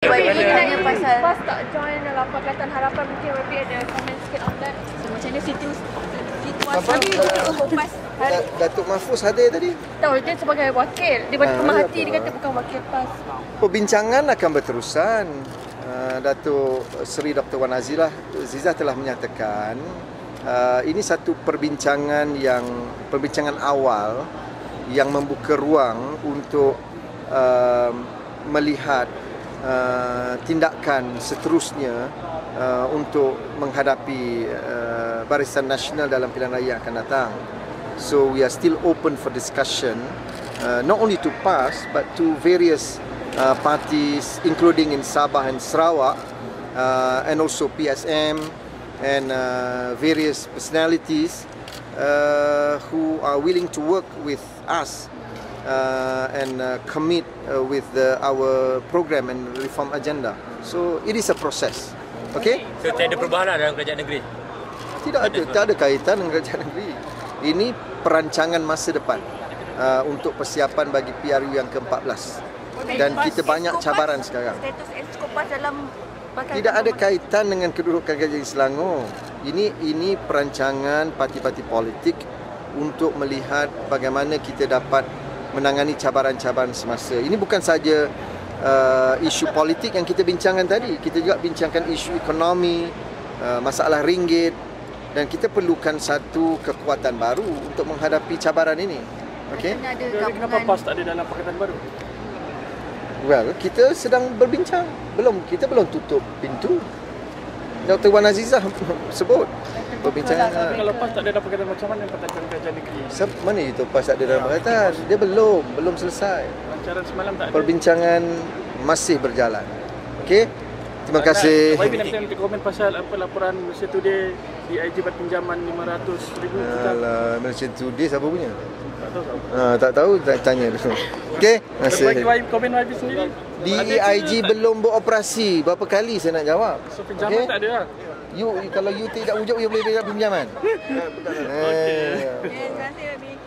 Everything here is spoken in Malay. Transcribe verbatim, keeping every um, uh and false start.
Y B tanya pasal Pas tak join dalam Pakatan Harapan, mungkin Y B ada komen sikit on that. so, macam mana situ Apa? situasi untuk PAS hari Da- Datuk Mahfuz hadir tadi. Tahu dia sebagai wakil. Dia bagi Ah, pemerhati, apa? dia kata bukan wakil PAS. Perbincangan akan berterusan. Uh, Datuk Seri Doktor Wan Azizah Zizah telah menyatakan uh, ini satu perbincangan yang perbincangan awal yang membuka ruang untuk uh, melihat uh, tindakan seterusnya uh, untuk menghadapi uh, Barisan Nasional dalam pilihan raya yang akan datang. So we are still open for discussion, uh, not only to PAS but to various uh, parties, including in Sabah and Sarawak, uh, and also P S M and uh, various personalities uh, who are willing to work with us uh, and uh, commit uh, with the, our program and reform agenda. So it is a process. Okay? So tiada perubahan dalam kerajaan negeri. Tidak ada, tak ada kaitan dengan kerajaan negeri. Ini perancangan masa depan uh, untuk persiapan bagi P R U yang ke empat belas. Dan kita banyak cabaran sekarang. status Exco PAS dalam Pakatan Tidak ada Harapan. kaitan dengan kedudukan kerajaan Selangor. Ini ini perancangan parti-parti politik untuk melihat bagaimana kita dapat menangani cabaran-cabaran semasa. Ini bukan saja uh, isu politik yang kita bincangkan tadi. Kita juga bincangkan isu ekonomi, uh, masalah ringgit, dan kita perlukan satu kekuatan baru untuk menghadapi cabaran ini. Okey? Kena ada Jadi kenapa gabungan PAS tak ada dalam Pakatan Baru? Well, kita sedang berbincang. Belum, kita belum tutup pintu. Doktor Wan Azizah sebut perbincangan. Tapi kalau PAS tak ada dalam Pakatan, macam mana pertahanan kerajaan negeri? Sep, mana itu PAS tak ada dalam pakatan? Dia belum, belum selesai. Lancaran semalam tak ada. Perbincangan masih berjalan. Okey? Terima kasih. Y B nanti nanti komen pasal apa laporan Malaysia Today D I J buat pinjaman lima ratus ribu juta. Alah, Malaysia Today siapa punya? Tak tahu tak. Ha, tak tahu, tak tanya dulu. Okey? Terima kasih. Bagi Y B, komen Y B sendiri. D E I G belum beroperasi. Berapa kali saya nak jawab? So pinjaman Okey? tak ada lah. You, kalau you tidak wujud, you boleh dapat pinjaman. Betul. Eh. Terima kasih Y B.